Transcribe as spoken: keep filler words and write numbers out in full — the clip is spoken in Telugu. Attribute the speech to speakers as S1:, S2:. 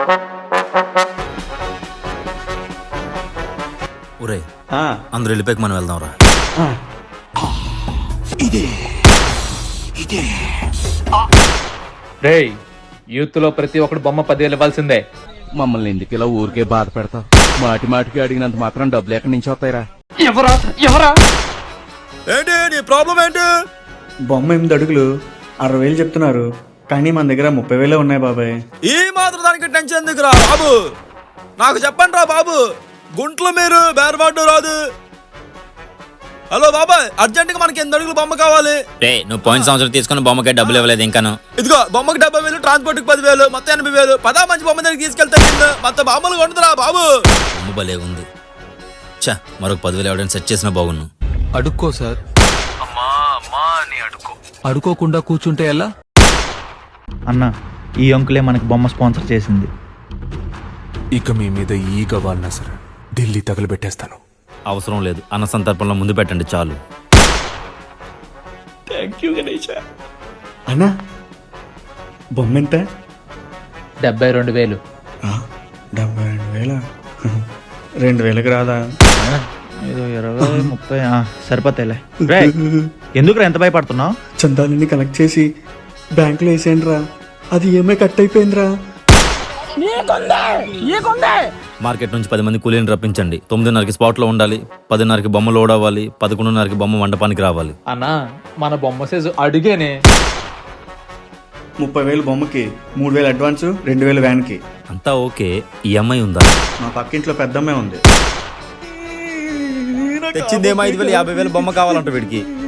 S1: ఒరే అందరూ వెళ్ళిపోయాక మనం వెళ్దాం రా.
S2: రేయ్, యూత్ లో ప్రతి ఒక్కడు బొమ్మ పదివేలు ఇవ్వాల్సిందే.
S3: మమ్మల్ని ఎందుకు ఇలా ఊరికే బాధ పెడతావు? మాటి మాటికి అడిగినంత మాత్రం డబ్బులు ఎక్కడి నుంచి వస్తాయిరా?
S2: ఎవరా ఎవరా
S1: ఏంటి నీ ప్రాబ్లం ఏంటి?
S4: బొమ్మ ఎనిమిది అడుగులు అరవై వేలు చెప్తున్నారు, కానీ మన దగ్గర ముప్పై వేలే ఉన్నాయి బాబాయ్.
S1: ఈ మాత్రం దానికి టెన్షన్ ఎందుకురా బాబు? నాకు చెప్పండి రా బాబు, గుంట్లో మీరు బేరబాటు రాదు. హలో బాబాయ్, అర్జెంట్ గా మనకి ఎనిమిది అడుగులు బొమ్మ కావాలి.
S5: రే, నువ్వు పోయిన సంవత్సరం తీసుకున్న బొమ్మకే డబ్బులు ఇవ్వలేదు ఇంకాను.
S1: ఇదిగో బొమ్మకి డెబ్బై వేలు, ట్రాన్స్పోర్ట్ కి పదివేలు, మొత్తం ఎనభై వేలు. పదా మంచి బొమ్మ దగ్గర తీసుకెళ్తా మొత్తం బొమ్మలు కొంటుందిరా బాబు.
S5: బొమ్మ భలే ఉంది. చా, మరొక పదివేలు ఎవడైనా సెట్ చేసినా బాగున్ను.
S6: అడుక్కో సార్. అమ్మా అమ్మా అని అడుక్కో. అడుకోకుండా కూర్చుంటే ఎలా?
S7: అన్న, ఈ అంకులే మనకి బొమ్మ స్పాన్సర్ చేసింది.
S6: ఇక మీ మీద ఈగ వాడినా సరే ఢిల్లీ తగలబెట్టేస్తాను.
S5: అవసరం లేదు, అన్న సందర్భంలో ముందు పెట్టండి చాలు.
S4: Thank you Ganesh. అన్నా, బొమ్మ ఎంత?
S2: డెబ్బై రెండు వేలు.
S4: డెబ్బై రెండు వేల రెండు వేలకు రాదా?
S7: ఏదో ఇరవై ముప్పై సరిపోతాయిలే. రే, ఎందుకు ఎంత భయపడుతున్నావు?
S4: చందాలని కలెక్ట్ చేసి బ్యాంకులో వేసేయండి రా, అది ఈఎంఐ కట్ అయిపోయిందిరా.
S5: మార్కెట్ నుంచి పది మంది కూలీని రప్పించండి. తొమ్మిదిన్నరకి స్పాట్ లో ఉండాలి, పదిన్నరకి బొమ్మ లోడ్ అవ్వాలి, పదకొండున్నరకి బొమ్మ మండపానికి రావాలి.
S2: అన్నా, మన బొమ్మ సైజు అడిగేనే.
S4: ముప్పై వేలు బొమ్మకి, మూడు వేలు అడ్వాన్స్, రెండు వేలు వ్యాన్కి.
S5: అంతా ఓకే, ఈఎంఐ ఉందా?
S4: మా పక్కింట్లో పెద్దమ్మే ఉంది.
S1: తెచ్చిందేమో ఐదు వేలు, యాభై వేలు బొమ్మ కావాలంట వీడికి.